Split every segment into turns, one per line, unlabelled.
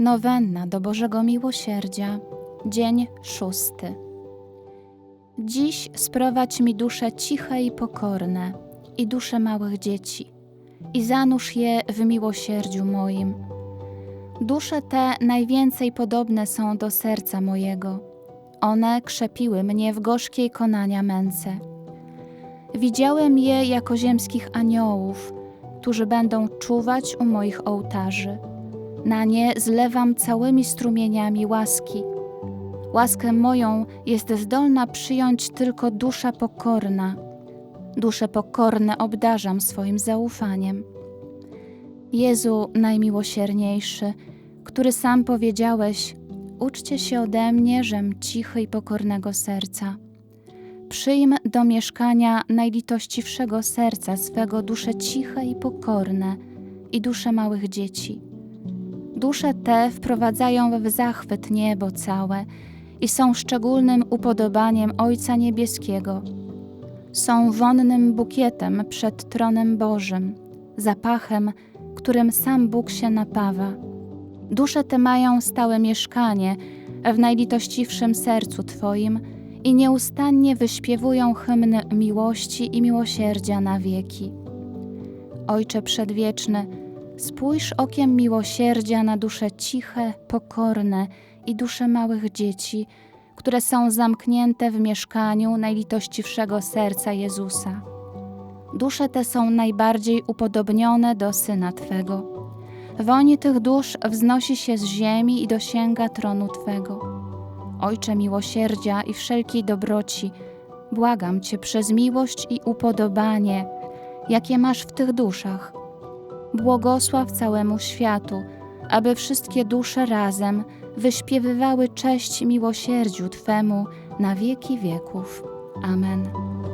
Nowenna do Bożego Miłosierdzia, dzień 6. Dziś sprowadź mi dusze ciche i pokorne i dusze małych dzieci i zanurz je w miłosierdziu moim. Dusze te najwięcej podobne są do serca mojego. One krzepiły mnie w gorzkiej konania męce. Widziałem je jako ziemskich aniołów, którzy będą czuwać u moich ołtarzy. Na nie zlewam całymi strumieniami łaski. Łaskę moją jest zdolna przyjąć tylko dusza pokorna. Dusze pokorne obdarzam swoim zaufaniem. Jezu najmiłosierniejszy, który sam powiedziałeś: uczcie się ode mnie, żem cichy i pokornego serca. Przyjm do mieszkania najlitościwszego serca swego dusze ciche i pokorne i dusze małych dzieci. Dusze te wprowadzają w zachwyt niebo całe i są szczególnym upodobaniem Ojca Niebieskiego. Są wonnym bukietem przed tronem Bożym, zapachem, którym sam Bóg się napawa. Dusze te mają stałe mieszkanie w najlitościwszym sercu Twoim i nieustannie wyśpiewują hymny miłości i miłosierdzia na wieki. Ojcze Przedwieczny, spójrz okiem miłosierdzia na dusze ciche, pokorne i dusze małych dzieci, które są zamknięte w mieszkaniu najlitościwszego serca Jezusa. Dusze te są najbardziej upodobnione do Syna Twego. Woń tych dusz wznosi się z ziemi i dosięga tronu Twego. Ojcze miłosierdzia i wszelkiej dobroci, błagam Cię przez miłość i upodobanie, jakie masz w tych duszach. Błogosław całemu światu, aby wszystkie dusze razem wyśpiewywały cześć miłosierdziu Twemu na wieki wieków. Amen.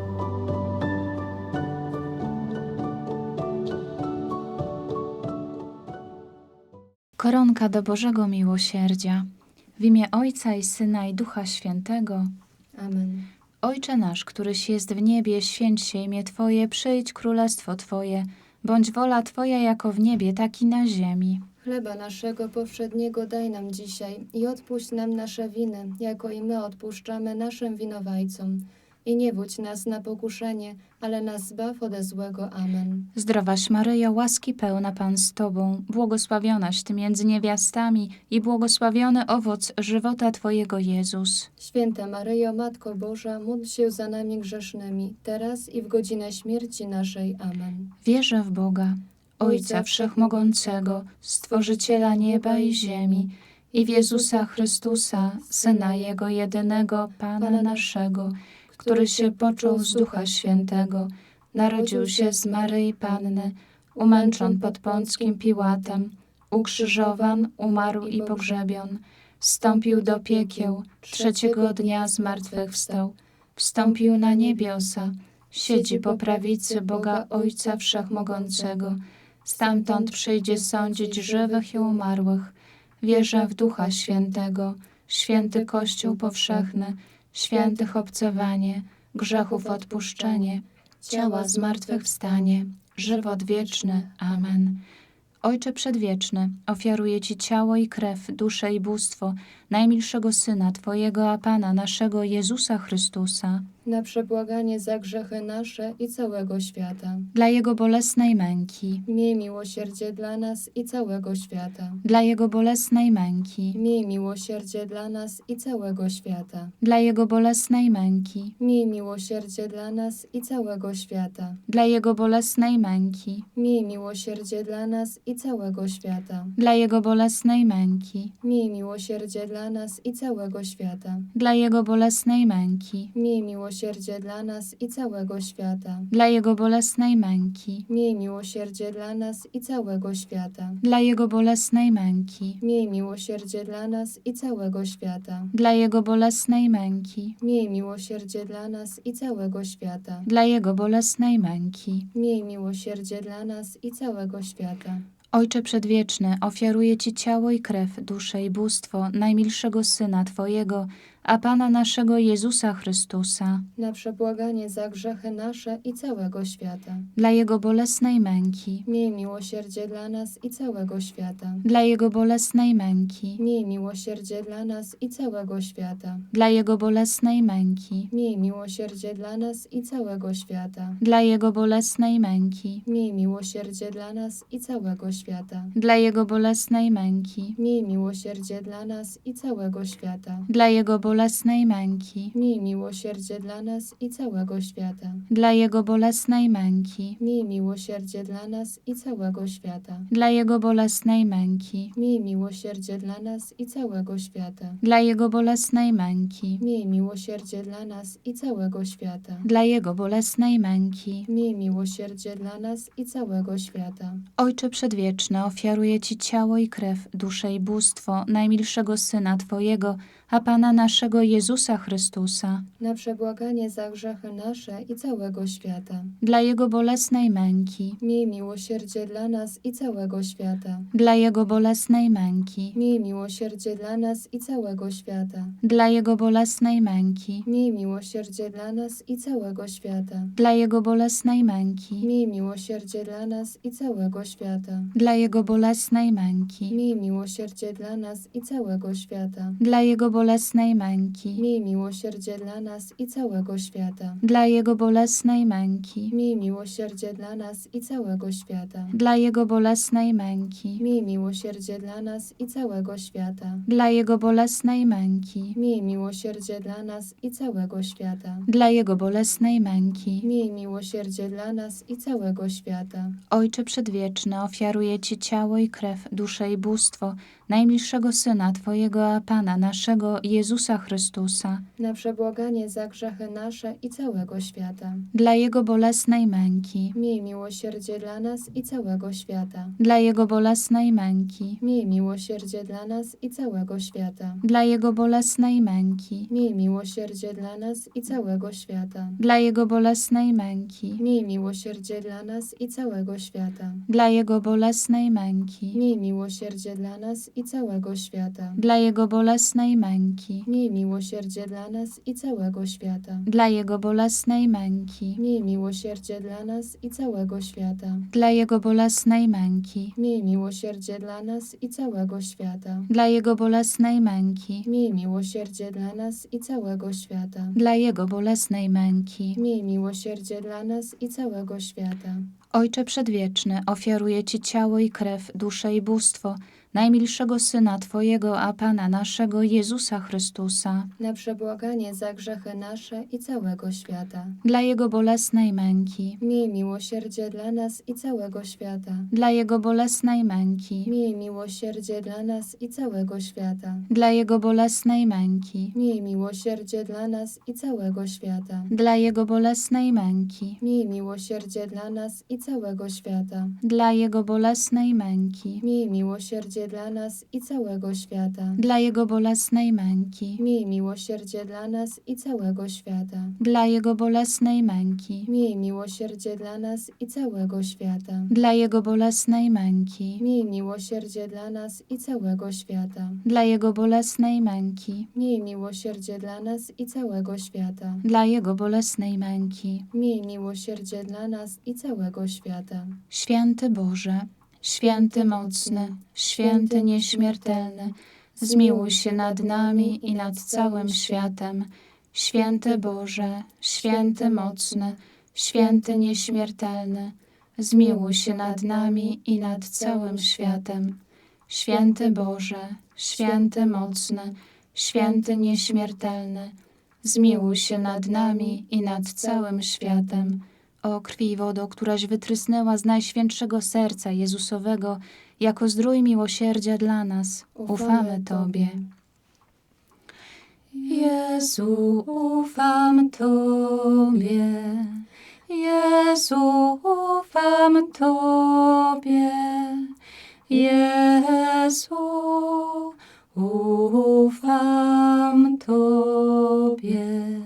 Koronka do Bożego Miłosierdzia. W imię Ojca i Syna i Ducha Świętego.
Amen.
Ojcze nasz, któryś jest w niebie, święć się imię Twoje, przyjdź królestwo Twoje, bądź wola Twoja jako w niebie, tak i na ziemi.
Chleba naszego powszedniego daj nam dzisiaj i odpuść nam nasze winy, jako i my odpuszczamy naszym winowajcom. I nie wódź nas na pokuszenie, ale nas zbaw ode złego. Amen.
Zdrowaś Maryjo, łaski pełna Pan z Tobą, błogosławionaś Ty między niewiastami i błogosławiony owoc żywota Twojego Jezus.
Święta Maryjo, Matko Boża, módl się za nami grzesznymi, teraz i w godzinę śmierci naszej. Amen.
Wierzę w Boga, Ojca Wszechmogącego, Stworzyciela nieba i ziemi, i w Jezusa Chrystusa, Syna Jego jedynego, Pana naszego, który się począł z Ducha Świętego, narodził się z Maryi Panny, umęczon pod Pąckim Piłatem, ukrzyżowan, umarł i pogrzebion, wstąpił do piekieł, trzeciego dnia zmartwychwstał, wstąpił na niebiosa, siedzi po prawicy Boga Ojca Wszechmogącego, stamtąd przyjdzie sądzić żywych i umarłych. Wierzę w Ducha Świętego, święty Kościół powszechny, świętych obcowanie, grzechów odpuszczenie, ciała zmartwychwstanie, żywot wieczny. Amen. Ojcze Przedwieczny, ofiaruję Ci ciało i krew, duszę i bóstwo najmilszego Syna Twojego, a Pana naszego Jezusa Chrystusa,
Na przebłaganie za grzechy nasze i całego świata.
dla Jego bolesnej męki,
Miej miłosierdzie dla nas i całego świata.
dla Jego bolesnej męki,
Miej miłosierdzie dla nas i całego świata.
dla Jego bolesnej męki,
Miej miłosierdzie dla nas i całego świata.
dla Jego bolesnej męki,
Miej miłosierdzie dla nas i całego świata.
dla Jego bolesnej męki,
Miej miłosierdzie dla nas i całego świata.
dla Jego bolesnej męki,
Miej miłosierdzie dla nas i całego świata.
dla Jego bolesnej męki,
Miej miłosierdzie dla nas i całego świata.
dla Jego bolesnej męki,
Miej miłosierdzie dla nas i całego świata.
dla Jego bolesnej męki,
Miej miłosierdzie dla nas i całego świata.
dla Jego bolesnej męki.
Miej miłosierdzie dla nas i całego świata.
Ojcze Przedwieczny, ofiaruję Ci ciało i krew, duszę i bóstwo najmilszego Syna Twojego, a Pana naszego Jezusa Chrystusa,
na przebłaganie za grzechy nasze i całego świata.
dla Jego bolesnej męki,
Miej miłosierdzie dla nas i całego świata.
dla Jego bolesnej męki,
Miej miłosierdzie dla nas i całego świata.
dla Jego bolesnej męki,
Miej miłosierdzie dla nas i całego świata.
dla Jego bolesnej męki,
Miej miłosierdzie dla nas i całego świata.
dla Jego bolesnej męki,
Miej miłosierdzie dla nas i całego świata.
dla Jego bolesnej męki,
Miej miłosierdzie dla nas i całego świata.
dla Jego bolesnej męki,
Miej miłosierdzie dla nas i całego świata.
dla Jego bolesnej męki,
Miej miłosierdzie dla nas i całego świata.
dla Jego bolesnej męki,
Miej miłosierdzie dla nas i całego świata.
dla Jego bolesnej męki.
Miej miłosierdzie dla nas i całego świata.
Ojcze Przedwieczny, ofiaruję Ci ciało i krew, duszę i bóstwo najmilszego Syna Twojego, a Pana naszego Jezusa Chrystusa,
Na przebłaganie za grzechy nasze i całego świata.
dla Jego bolesnej męki,
Miej miłosierdzie dla nas i całego świata.
dla Jego bolesnej męki,
Miej miłosierdzie dla nas i całego świata.
dla Jego bolesnej męki,
Miej miłosierdzie dla nas i całego świata.
dla Jego bolesnej męki,
Miej miłosierdzie dla nas i całego świata.
dla Jego bolesnej męki,
Miej miłosierdzie dla nas i całego świata.
dla Jego bolesnej męki,
Miej miłosierdzie dla nas i całego świata.
dla Jego bolesnej męki,
Miej miłosierdzie dla nas i całego świata.
dla Jego bolesnej męki,
Miej miłosierdzie dla nas i całego świata.
dla Jego bolesnej męki,
Miej miłosierdzie dla nas i całego świata.
dla Jego bolesnej męki.
Miej miłosierdzie dla nas i całego świata.
Ojcze Przedwieczny, ofiaruję Ci ciało i krew, duszę i bóstwo najmilszego Syna Twojego, a Pana naszego Jezusa Chrystusa,
Na przebłaganie za grzechy nasze i całego świata.
dla Jego bolesnej męki,
Miej miłosierdzie dla nas i całego świata.
dla Jego bolesnej męki,
Miej miłosierdzie dla nas i całego świata.
dla Jego bolesnej męki,
Miej miłosierdzie dla nas i całego świata.
dla Jego bolesnej męki,
Miej miłosierdzie dla nas i całego świata.
dla Jego bolesnej męki,
Miej miłosierdzie dla nas i całego świata.
dla Jego bolesnej męki,
Miej miłosierdzie dla nas i całego świata.
dla Jego bolesnej męki,
Miej miłosierdzie dla nas i całego świata.
dla Jego bolesnej męki,
Miej miłosierdzie dla nas i całego świata.
dla Jego bolesnej męki,
Miej miłosierdzie dla nas i całego świata.
dla Jego bolesnej męki.
Miej miłosierdzie dla nas i całego świata.
Ojcze Przedwieczny, ofiaruję Ci ciało i krew, duszę i bóstwo najmilszego Syna Twojego, a Pana naszego Jezusa Chrystusa,
Na przebłaganie za grzechy nasze i całego świata.
dla Jego bolesnej męki,
Miej miłosierdzie dla nas i całego świata.
dla Jego bolesnej męki,
Miej miłosierdzie dla nas i całego świata.
dla Jego bolesnej męki,
Miej miłosierdzie dla nas i całego świata.
dla Jego bolesnej męki,
Miej miłosierdzie dla nas i całego świata.
dla Jego bolesnej męki,
Miej miłosierdzie dla nas i całego świata.
dla Jego bolesnej męki,
Miej miłosierdzie dla nas i całego świata.
dla Jego bolesnej męki,
Miej miłosierdzie dla nas i całego świata.
dla Jego bolesnej męki,
Miej miłosierdzie dla nas i całego świata.
dla Jego bolesnej męki,
Miej miłosierdzie dla nas i całego świata.
dla Jego bolesnej męki.
Miej miłosierdzie dla nas i całego świata.
Święty Boże, święty mocny, święty nieśmiertelny, zmiłuj się nad nami i nad całym światem. Święty Boże, święty mocny, święty nieśmiertelny, zmiłuj się nad nami i nad całym światem. Święty Boże, święty mocny, święty nieśmiertelny, zmiłuj się nad nami i nad całym światem. O krwi i wodo, któraś wytrysnęła z Najświętszego Serca Jezusowego, jako zdrój miłosierdzia dla nas, ufamy Tobie. Jezu, ufam Tobie. Jezu, ufam Tobie. Jezu, ufam Tobie.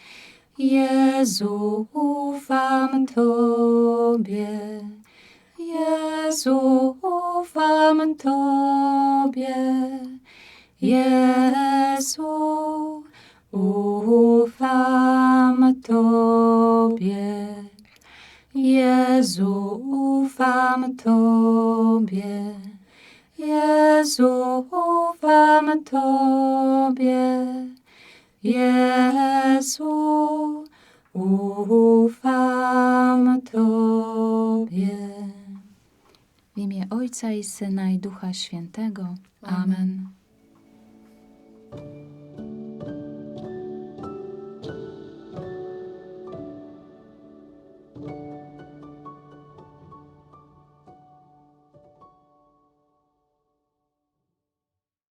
Jezu, ufam Tobie. Jezu, ufam Tobie. Jezu, ufam Tobie. Jezu, ufam Tobie. Jezu, ufam Tobie. Jezu, ufam Tobie. W imię Ojca i Syna i Ducha Świętego. Amen.